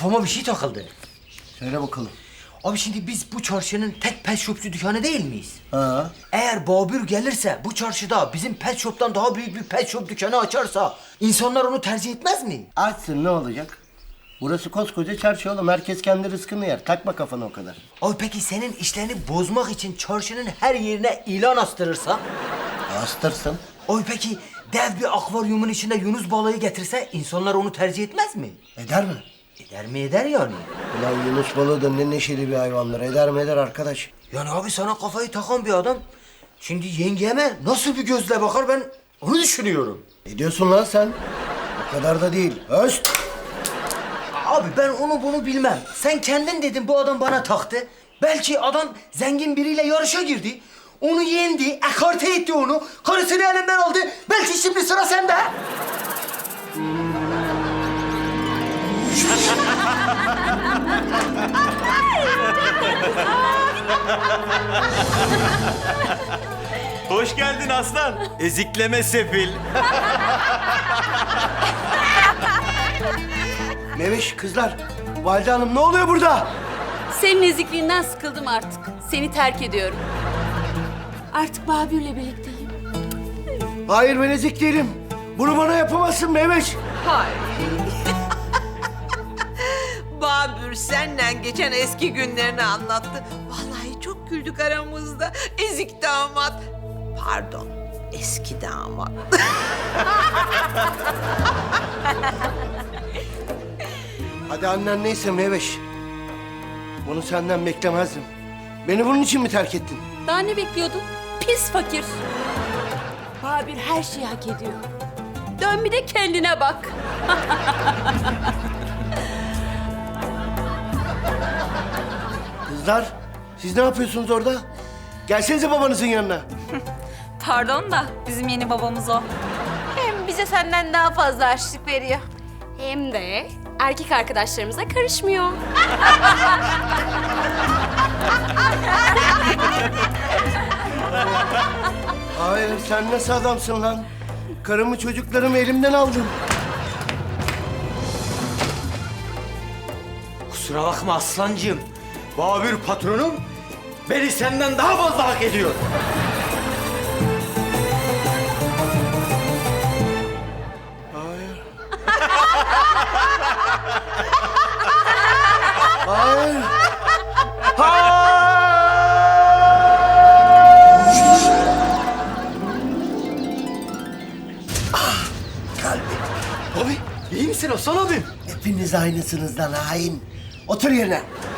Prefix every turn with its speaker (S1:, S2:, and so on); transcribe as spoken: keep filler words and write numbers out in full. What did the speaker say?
S1: kafama bir şey takıldı.
S2: Söyle bakalım.
S1: Abi şimdi biz bu çarşının tek pet shopçu dükkanı değil miyiz?
S2: Ha.
S1: Eğer Babür gelirse bu çarşıda bizim pet shop'tan daha büyük bir pet shop dükkanı açarsa insanlar onu tercih etmez mi?
S2: Açsın, ne olacak? Burası koskoca çarşı oğlum. Herkes kendi rızkını yer. Takma kafana o kadar.
S1: Abi peki senin işlerini bozmak için çarşının her yerine ilan astırırsa?
S2: Astırsın.
S1: Abi peki dev bir akvaryumun içinde Yunus balığı getirse insanlar onu tercih etmez mi?
S2: Eder mi?
S1: Eder mi eder yani?
S2: Ulan Yunus balığı da ne neşeli bir hayvandır. Eder mi eder arkadaş?
S1: Yani abi sana kafayı takan bir adam şimdi yengeme nasıl bir gözle bakar ben onu düşünüyorum.
S2: Ne diyorsun lan sen? O kadar da değil. Öst!
S1: Abi ben onu bunu bilmem. Sen kendin dedin bu adam bana taktı. Belki adam zengin biriyle yarışa girdi. Onu yendi, ekarte etti onu. Karısını elinden aldı. Belki şimdi sıra sende.
S3: Hoş geldin aslan. Ezikleme sefil.
S2: Meveş kızlar. Valide Hanım ne oluyor burada?
S4: Senin ezikliğinden sıkıldım artık. Seni terk ediyorum. Artık Babür'le birlikteyim.
S2: Hayır, ben ezik değilim. Bunu bana yapamazsın Meveş.
S5: Hay. Babür senden geçen eski günlerini anlattı. Vallahi çok güldük aramızda. Ezik damat. Pardon, eski damat.
S2: Hadi annen neyse Meveş. Bunu senden beklemezdim. Beni bunun için mi terk ettin?
S4: Daha ne bekliyordun? Pis fakir. Babür her şeyi hak ediyor. Dön bir de kendine bak.
S2: Kızlar, siz ne yapıyorsunuz orada? Gelsenize babanızın yanına.
S6: Pardon da bizim yeni babamız o.
S4: Hem bize senden daha fazla harçlık veriyor. Hem de erkek arkadaşlarımıza karışmıyor.
S2: Hayır, sen nasıl adamsın lan? Karımı çocuklarımı elimden aldın.
S1: Kusura bakma aslancığım. Babür patronum beni senden daha fazla hak ediyor.
S2: Hayır. Hayır. Ah, kalbim.
S1: Abi iyi misin Aslan abim?
S2: Hepiniz aynısınız lan hain. Otur yerine.